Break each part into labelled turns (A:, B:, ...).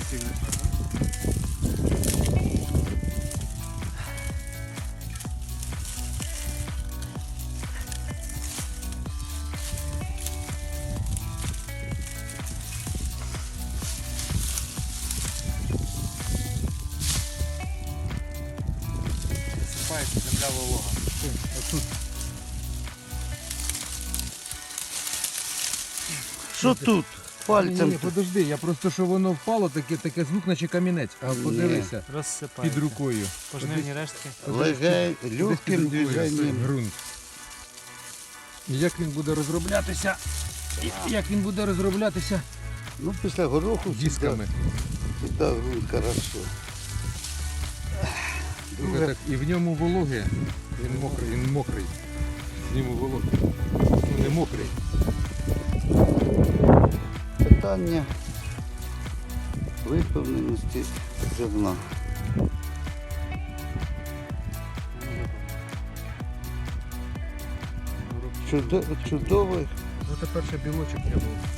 A: місці знайшла. Засипається земля волога.
B: Тут. Що тут? Пальцем.
C: Ні, подожди, я просто, що воно впало, таке звук, наче камінець. А подивися,
A: Розсипається.
C: під рукою.
A: Пожнивні рештки.
B: Легень,
C: Десь
B: легким
C: під рукою
B: движенням.
C: ґрунт. І як він буде розроблятися? Як він буде розроблятися
B: Ну, після гороху
C: дисками.
B: сюди грунт хорошо.
C: Друге, так, і в ньому вологи. Він мокрий. В ньому вологи. Ну, не мокрий.
B: Питання виповненості зерна. Чудовий.
C: Ну тепер ще білочок треба.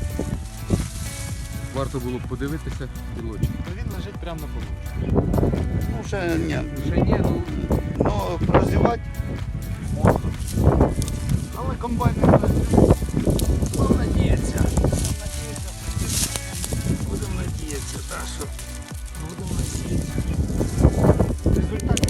C: Варто було б подивитися білочок.
A: Він лежить прямо на полу.
B: Ну, ще ні.
C: Вже ні, ну
B: Ну, прозівати можна. Але комбайн не працює.
C: будемо надіятися. Будемо надіятися, так що будемо надіятися.
B: Результат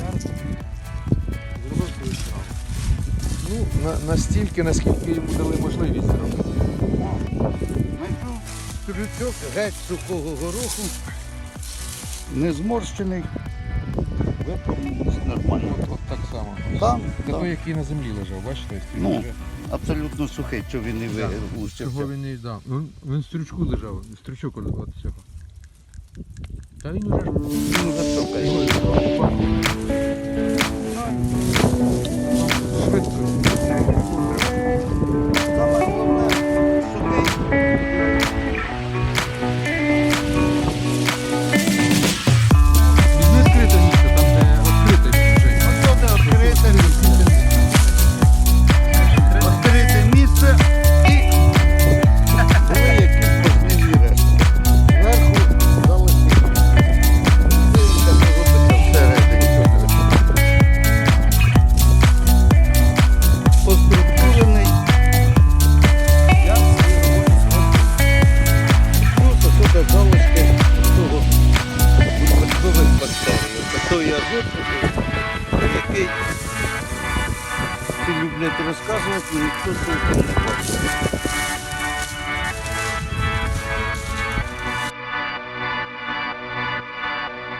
A: Зробив свою справу.
C: Ну, настільки, наскільки йому дали можливість зробити.
B: знайшов стрючок геть сухого гороху. Не зморщений. Виповненість нормально.
C: От так само.
B: Там,
C: Це той,
B: там.
C: який на землі лежав, бачите?
B: Ну,
C: Вже-
B: абсолютно сухий, що він не
C: Чого
B: виглушився.
C: він не да. Він в стрючку лежав, стрючок от цього. Та він уже ж
B: Він високий.
C: швидко.
B: Саме головне, сухий.
C: Візьми скрите місце, там де відкрите вже.
B: Ось де відкрите місце і були якісь пожнивні решти. Зверху залишили. Дивимося, що робиться всередині. Поструктурений. Я свою роботу зроблю. Плюс ось тут залишки того випадкових бактерій. Ось той азот, який всі люблять розказувати, ніхто толком не бачить.